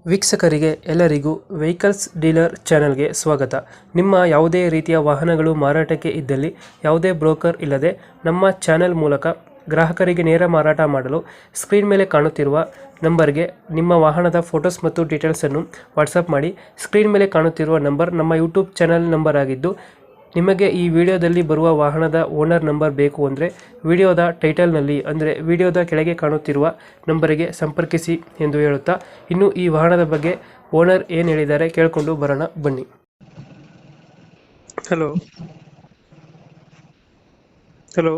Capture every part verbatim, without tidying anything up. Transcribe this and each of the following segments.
ವೀಕ್ಷಕರಿಗೆ ಎಲ್ಲರಿಗೂ vehicles dealer ಚಾನೆಲ್ಗೆ ಸ್ವಾಗತ. ನಿಮ್ಮ ಯಾವುದೇ ರೀತಿಯ ವಾಹನಗಳು ಮಾರಾಟಕ್ಕೆ ಇದ್ದಲ್ಲಿ ಯಾವುದೇ ಬ್ರೋಕರ್ ಇಲ್ಲದೆ ನಮ್ಮ ಚಾನೆಲ್ ಮೂಲಕ ಗ್ರಾಹಕರಿಗೆ ನೇರ ಮಾರಾಟ ಮಾಡಲು ಸ್ಕ್ರೀನ್ ಮೇಲೆ ಕಾಣುತ್ತಿರುವ ನಂಬರ್ಗೆ ನಿಮ್ಮ ವಾಹನದ ಫೋಟೋಸ್ ಮತ್ತು ಡೀಟೇಲ್ಸನ್ನು ವಾಟ್ಸಪ್ ಮಾಡಿ. ಸ್ಕ್ರೀನ್ ಮೇಲೆ ಕಾಣುತ್ತಿರುವ ನಂಬರ್ ನಮ್ಮ ಯೂಟ್ಯೂಬ್ ಚಾನೆಲ್ ನಂಬರ್ ಆಗಿದ್ದು, ನಿಮಗೆ ಈ ವಿಡಿಯೋದಲ್ಲಿ ಬರುವ ವಾಹನದ ಓನರ್ ನಂಬರ್ ಬೇಕು ಅಂದರೆ ವಿಡಿಯೋದ ಟೈಟಲ್ನಲ್ಲಿ ಅಂದರೆ ವಿಡಿಯೋದ ಕೆಳಗೆ ಕಾಣುತ್ತಿರುವ ನಂಬರಿಗೆ ಸಂಪರ್ಕಿಸಿ ಎಂದು ಹೇಳುತ್ತಾ, ಇನ್ನು ಈ ವಾಹನದ ಬಗ್ಗೆ ಓನರ್ ಏನು ಹೇಳಿದ್ದಾರೆ ಕೇಳಿಕೊಂಡು ಬರೋಣ ಬನ್ನಿ. Hello hello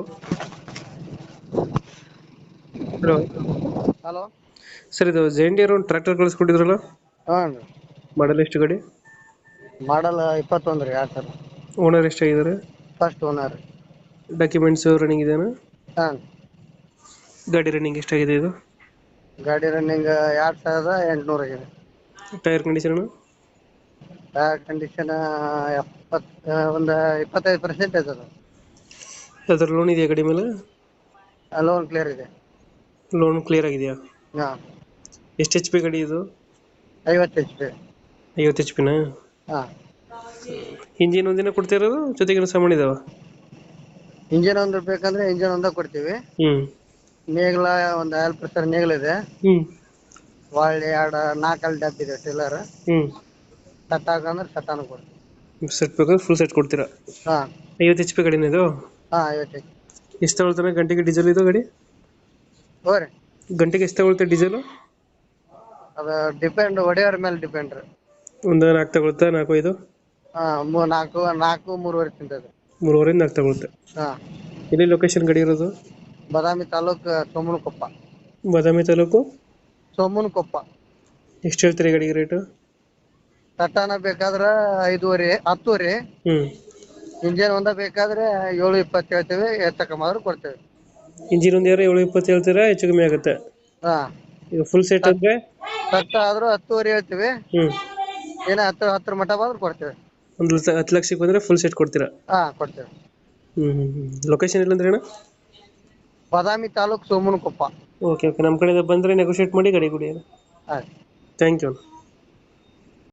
hello hello sir, ಇದು ಜೆಂಡಿಯರ್ ಒಂದು ಟ್ರ್ಯಾಕ್ಟರ್ ಕಳಿಸ್ಕೊಟ್ಟಿದ್ರಲ್ಲ, ಹಾಂ ರೀ. ಮಾಡಲ್ ಎಷ್ಟು ಗಾಡಿ? ಮಾಡಲ್ ಇಪ್ಪತ್ತೊಂದು ರೀ. ಎರಡು ಸಾವಿರ. ಓನರ್ ಎಷ್ಟಾಗಿದ್ದಾರೆ? ಫಸ್ಟ್ ಓನರ್ ರೀ. ಡಾಕ್ಯುಮೆಂಟ್ಸ್ ರನ್ನಿಂಗ್ ಇದೆಯಾ? ಹಾಂ. ಗಾಡಿ ರನ್ನಿಂಗ್ ಎಷ್ಟಾಗಿದೆ ಇದು? ಗಾಡಿ ರನ್ನಿಂಗ್ ಎರಡು ಸಾವಿರದ ಎಂಟುನೂರು ಆಗಿದೆ. Tyre condition? ಟೈರ್ ಕಂಡೀಷನ್ ಎಪ್ಪತ್ತು ಒಂದು ಇಪ್ಪತ್ತೈದು ಪರ್ಸೆಂಟ್ ಇದೆ ಅದು. ಅದರ ಲೋನ್ ಇದೆಯಾ ಗಾಡಿ ಮೇಲೆ? ಲೋನ್ ಕ್ಲಿಯರ್ ಇದೆ. ಲೋನ್ ಕ್ಲಿಯರ್ ಆಗಿದೆಯಾ? ಹಾಂ. ಎಷ್ಟು ಎಚ್ ಪಿ ಗಾಡಿ ಇದು? ಐವತ್ತು ಎಚ್ ಪಿ. ಐವತ್ತು ಎಚ್ ಪಿನಾ? ಹಾಂ. ಇಂಜಿನ್ ಒಂದಿನ ಕೊಡ್ತಿರೋದು ಜೊತೆಗೆ ಸಾಮಾನು ಇದಾವ? ಇಂಜಿನ್ ಒಂದು ಬೇಕಂದ್ರೆ ಇಂಜಿನ್ ಒಂದೇ ಕೊಡ್ತೀವಿ. ಹ್ಞೂ. ನೇಗ್ಲ ಒಂದು ಆಯಿಲ್ ಪ್ರೆಷರ್ ನೇಗ್ಲ ಇದೆ. ಹ್ಞೂ. ಒಳ್ಳೆ ಎರಡು ನಾಲ್ಕಲ್ಲಿ ಡಬ್ ಇದೆ ಟೀಲರ್. ಹ್ಞೂ. ಸಟ್ ಹಾಕಂದ್ರೆ ಸಟ್ಟಾನು ಕೊಡ್ತೀವಿ. ಸೆಟ್ ಬೇಕಾದ್ರೆ ಫುಲ್ ಸೆಟ್ ಕೊಡ್ತೀರಾ? ಹಾಂ. ಐವತ್ತು ಎಚ್ ಪಿ ಗಾಡಿನ ಇದು? ಹಾಂ, ಐವತ್ತು ಎಚ್ ಪಿ. ಎಷ್ಟು ತಗೊಳ್ತಾನೆ ಗಂಟೆಗೆ ಡೀಸೆಲ್ ಇದು ಗಾಡಿ? ಹೋ ರೀ. ಗಂಟೆಗೆ ಎಷ್ಟು ತಗೊಳುತ್ತೆ ಡೀಸೆಲು? ಅದು ಡಿಪೆಂಡ್, ಹೊಡೆಯೋರ ಮೇಲೆ ಡಿಪೆಂಡ್ ರೀ. ಒಂದು ನಾಲ್ಕು ತಗೊಳುತ್ತಾ? ನಾಲ್ಕು ಐದು? ಹಾಂ, ಮೂ ನಾಲ್ಕು ನಾಲ್ಕು ಮೂರುವರೆ ತಿಂತದೆ. ಮೂರುವರೆಯಿಂದ ನಾಲ್ಕು ತಗೊಳುತ್ತೆ. ಹಾಂ. ಎಲ್ಲಿ ಲೊಕೇಶನ್ ಗಾಡಿ ಇರೋದು? ಬಾದಾಮಿ ತಾಲೂಕು ಸೋಮನಕೊಪ್ಪ. ಬಾದಾಮಿ ತಾಲೂಕು ಸೋಮನಕೊಪ್ಪ. ಎಷ್ಟು ಹೇಳ್ತೀರಿ ಗಾಡಿಗೆ ರೇಟು? ತಟ್ಟಾನ ಬೇಕಾದ್ರೆ ಐದೂವರೆ ಹತ್ತುವರೆ. ಹ್ಞೂ. ಇಂಜನ್ ಒಂದ ಬೇಕಾದ್ರೆ ಏಳು ಇಪ್ಪತ್ತು ಹೇಳ್ತೇವೆ, ಹೆಚ್ಚು ಕಮ್ಮಿ ಆದ್ರೂ ಕೊಡ್ತೇವೆ. ಇಂಜಿನ್ ಒಂದು ಯಾರು ಏಳು ಇಪ್ಪತ್ತು ಹೇಳ್ತೀರಾ? ಹೆಚ್ಚು ಕಮ್ಮಿ ಆಗುತ್ತೆ? ಹಾಂ. ಈಗ ಫುಲ್ ಸೆಟ್ ಅಂದರೆ ತಟ್ಟ ಆದ್ರೂ ಹತ್ತುವರೆ ಹೇಳ್ತೀವಿ. ಹ್ಞೂ. ಏನೋ ಹತ್ತು ಹತ್ತರ ಮಟ್ಟ ಬಂದ್ರೆ ಕೊಡ್ತೇವೆ. ಒಂದು ಲಕ್ಷ ಹತ್ತು ಲಕ್ಷಕ್ಕೆ ಬಂದರೆ ಫುಲ್ ಸೆಟ್ ಕೊಡ್ತೀರಾ? ಹಾಂ, ಕೊಡ್ತೇವೆ. ಹ್ಞೂ ಹ್ಞೂ ಹ್ಞೂ. ಲೊಕೇಶನ್ ಇಲ್ಲಂದ್ರೆ ಅಣ್ಣ? ಬಾದಾಮಿ ತಾಲೂಕು ಸೋಮನಕೊಪ್ಪ. Okay okay. ನಮ್ಮ ಕಡೆಯಿಂದ ಬಂದರೆ ನೆಗೋಷಿಯೇಟ್ ಮಾಡಿ ಗಾಡಿ ಕೊಡಿ. ಆಯ್ತು. Thank you.